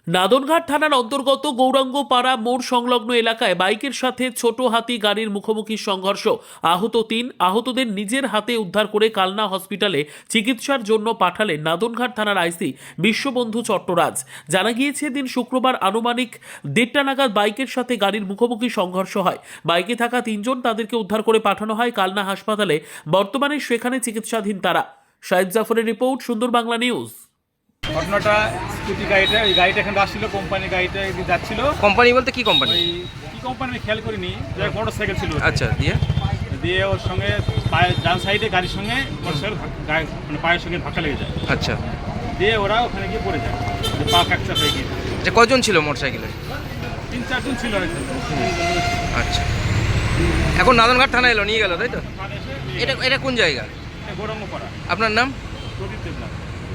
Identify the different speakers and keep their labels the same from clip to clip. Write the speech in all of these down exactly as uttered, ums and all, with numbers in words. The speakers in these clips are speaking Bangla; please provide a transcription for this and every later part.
Speaker 1: নাদনঘাট থানার অন্তর্গত গৌরাঙ্গপাড়া মোড় সংলগ্ন এলাকায় বাইকের সাথে ছোট হাতি গাড়ির মুখোমুখি সংঘর্ষ। আহত তিন। আহতদের নিজের হাতে উদ্ধার করে কালনা হসপিটালে চিকিৎসার জন্য পাঠালেন নাদনঘাট থানার আইসি বিশ্ববন্ধু চট্টরাজ। জানা গিয়েছে, দিন শুক্রবার আনুমানিক দেড়টা নাগাদ বাইকের সাথে গাড়ির মুখোমুখি সংঘর্ষ হয়। বাইকে থাকা তিনজন, তাদেরকে উদ্ধার করে পাঠানো হয় কালনা হাসপাতালে। বর্তমানে সেখানে চিকিৎসাধীন তারা। শাহিদ জাফরের রিপোর্ট, সুন্দর বাংলা নিউজ।
Speaker 2: ঘটনাটা স্কুটি গাড়িটা ওই গাড়িটা এখানে আসছিল, কোম্পানির গাড়িটা এদিকে যাচ্ছিল।
Speaker 3: কোম্পানি বলতে কি কোম্পানি?
Speaker 2: ওই কি কোম্পানি আমি খেয়াল করিনি, যে মোটর সাইকেল ছিল।
Speaker 3: আচ্ছা, দিয়ে
Speaker 2: দিয়ে ওর সঙ্গে পায়ে ডান সাইডে গাড়ির সঙ্গে মোটর সাইকেল মানে পায়ের সঙ্গে ধাক্কা লেগে যায়।
Speaker 3: আচ্ছা,
Speaker 2: দিয়ে ওরা ওখানে গিয়ে পড়ে যায়, পা ফ্র্যাকচার হয়ে গিয়ে।
Speaker 3: যে কয়জন ছিল মোটর সাইকেলে?
Speaker 2: তিন চারজন ছিল হয়তো।
Speaker 3: আচ্ছা, এখন নাদনঘাট থানা এলো, নিয়ে গেল, তাই তো? এটা এটা কোন জায়গা?
Speaker 2: গৌরাঙ্গপাড়া।
Speaker 3: আপনার নাম?
Speaker 2: প্রদীপ দেবনাথ।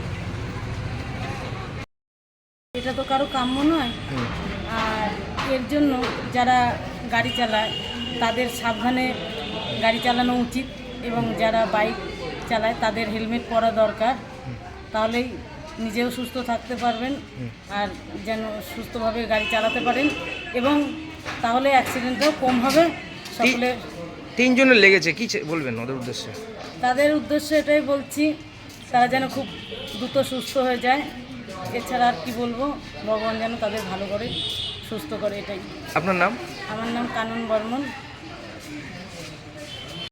Speaker 4: এটা তো কারো কাম্য নয়, আর এর জন্য যারা গাড়ি চালায় তাদের সাবধানে গাড়ি চালানো উচিত, এবং যারা বাইক চালায় তাদের হেলমেট পরা দরকার। তাহলেই নিজেও সুস্থ থাকতে পারবেন আর যেন সুস্থভাবে গাড়ি চালাতে পারেন, এবং তাহলে অ্যাক্সিডেন্টও কম হবে। সকলে
Speaker 3: তিনজনের লেগেছে, কি বলবেন ওদের উদ্দেশ্যে?
Speaker 4: তাদের উদ্দেশ্যে এটাই বলছি, তারা যেন খুব দ্রুত সুস্থ হয়ে যায়। এছাড়া আর কি বলবো, ভগবান যেন তাদের ভালো করে সুস্থ করে, এটাই।
Speaker 3: আপনার নাম?
Speaker 4: আমার নাম কানন বর্মন।